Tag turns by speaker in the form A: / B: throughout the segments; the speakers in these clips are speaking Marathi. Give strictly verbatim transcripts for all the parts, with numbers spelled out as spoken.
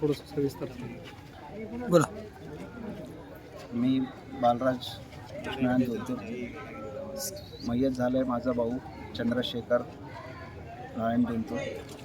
A: थोडंसं सविस्तर सांगा.
B: बोला.
C: मी बालराज कृष्णानंद धोतर. मयत झालं आहे माझा भाऊ चंद्रशेखर नारायण दोनतोर.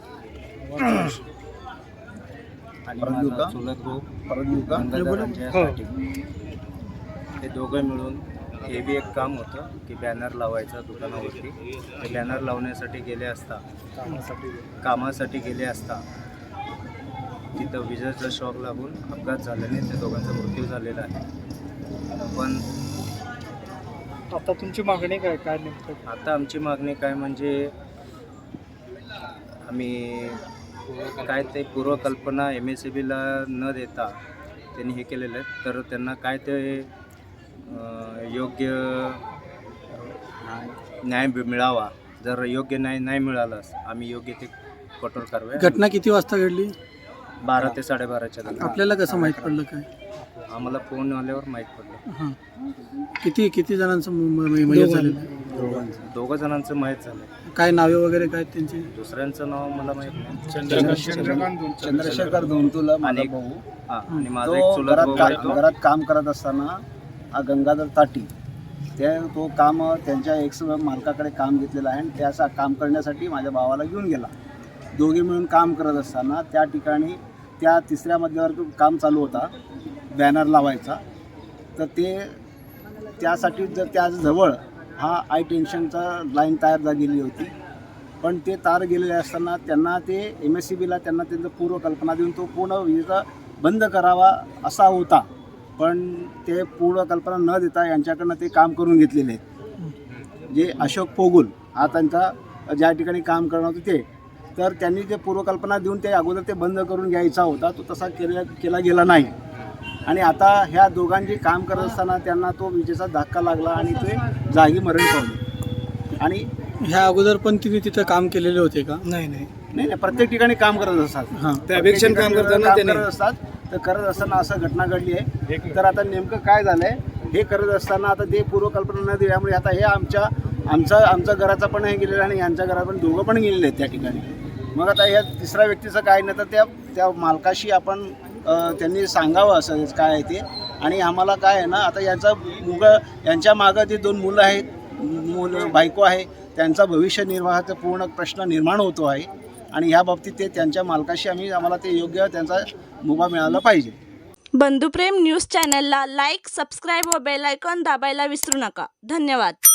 D: आणि
C: परत येऊ
D: माझा
C: का?
D: चुलत भाऊ
C: परत येऊ का?
D: गंगाधरांच्यासाठी हे दोघं मिळून हे बी एक काम होतं की बॅनर लावायचं दुकानावरती. ते बॅनर लावण्यासाठी गेले असता कामासाठी गेले असता तिथं विजेचा शॉक लागून अपघात झाल्याने त्या दोघांचा मृत्यू झालेला आहे. पण
A: आता तुमची मागणी काय काय नेमकं?
D: आता आमची मागणी काय म्हणजे आम्ही काय ते पूर्वकल्पना एम एस सी बीला न देता त्यांनी हे केलेलं आहे, तर त्यांना काय ते अं, योग्य न्याय मिळावा. जर योग्य न्याय नाही मिळालाच आम्ही योग्य ते कठोर कारवाई.
B: घटना किती वाजता घडली?
D: बारा ते साडेबाराच्या दरम्यान
B: आपल्याला कसं माहीत पडलं काय?
D: आम्हाला फोन आल्यावर माहीत पडलं.
B: हां. किती किती जणांचं म- म- मयत झालेलं आहे?
D: दोघं जणांचं माहीत झालं.
B: काय नावे वगैरे काय त्यांची?
D: दुसऱ्यांचं नाव मला माहीत नाही.
C: चंद्रशेखर धोंतुला माझा
D: आणि-
C: भाऊ.
D: हां, आणि माझा एक
C: तो
D: चुलत
C: घरात
D: भाऊ
C: का-
D: आहे तो.
C: घरात काम करत असताना हा गंगाधर ताटी ते तो काम त्यांच्या एक्स मालकाकडे काम घेतलेलं आहे आणि त्याचा काम करण्यासाठी माझ्या भावाला घेऊन गेला. दोघे मिळून काम करत असताना त्या ठिकाणी त्या तिसऱ्या मजल्यावर काम चालू होता बॅनर लावायचा. तर ते त्यासाठी जर त्याजवळ हा आय टेन्शनचा लाईन तयार जा गेली होती. पण ते तार गेलेले असताना त्यांना ते एम एस सी बीला त्यांना त्यांचं पूर्वकल्पना देऊन तो पूर्ण विजेचा बंद करावा असा होता. पण ते पूर्वकल्पना न देता यांच्याकडनं ते काम करून घेतलेले आहेत. जे अशोक पोगुल हा त्यांचा ज्या ठिकाणी काम करणार होते ते, तर त्यांनी जे पूर्वकल्पना देऊन ते अगोदर ते बंद करून घ्यायचा होता, तो तसा केला केला गेला नाही. आणि आता ह्या दोघांची काम करत असताना त्यांना तो विजेचा धक्का लागला आणि ते जागी मरण पावले. आणि
B: ह्या अगोदर पण तिने तिथं काम केलेले होते का?
A: नाही नाही
C: नाही नाही प्रत्येक ठिकाणी काम करत असतात.
B: हां.
C: ते अपेक्षण काम करताना करत असतात. तर करत असताना असं घटना घडली आहे. तर आता नेमकं काय झालं आहे हे करत असताना आता ते पूर्वकल्पना न दिल्यामुळे आता हे आमच्या आमचं आमच्या घराचा पण हे गेलेलं आणि यांच्या घरात पण दोघं पण गेलेले आहेत त्या ठिकाणी. मग आता या तिसऱ्या व्यक्तीचं काय नाही तर त्या त्या मालकाशी आपण अ, त्यांनी सांगावं असं काय आहे ते. आणि आम्हाला काय आहे ना आता यांचा मुलं यांच्या मागं जे दोन मुलं आहेत, मुलं बायको आहे, त्यांचा भविष्य निर्वाहाचा पूर्ण प्रश्न निर्माण होतो आहे. आणि ह्या बाबतीत ते त्यांच्या मालकाशी आम्ही आम्हाला ते योग्य त्यांचा मुभा मिळाला पाहिजे.
E: बंधुप्रेम न्यूज चॅनलला लाईक, सबस्क्राईब व बेल आयकॉन दाबायला विसरू नका. धन्यवाद.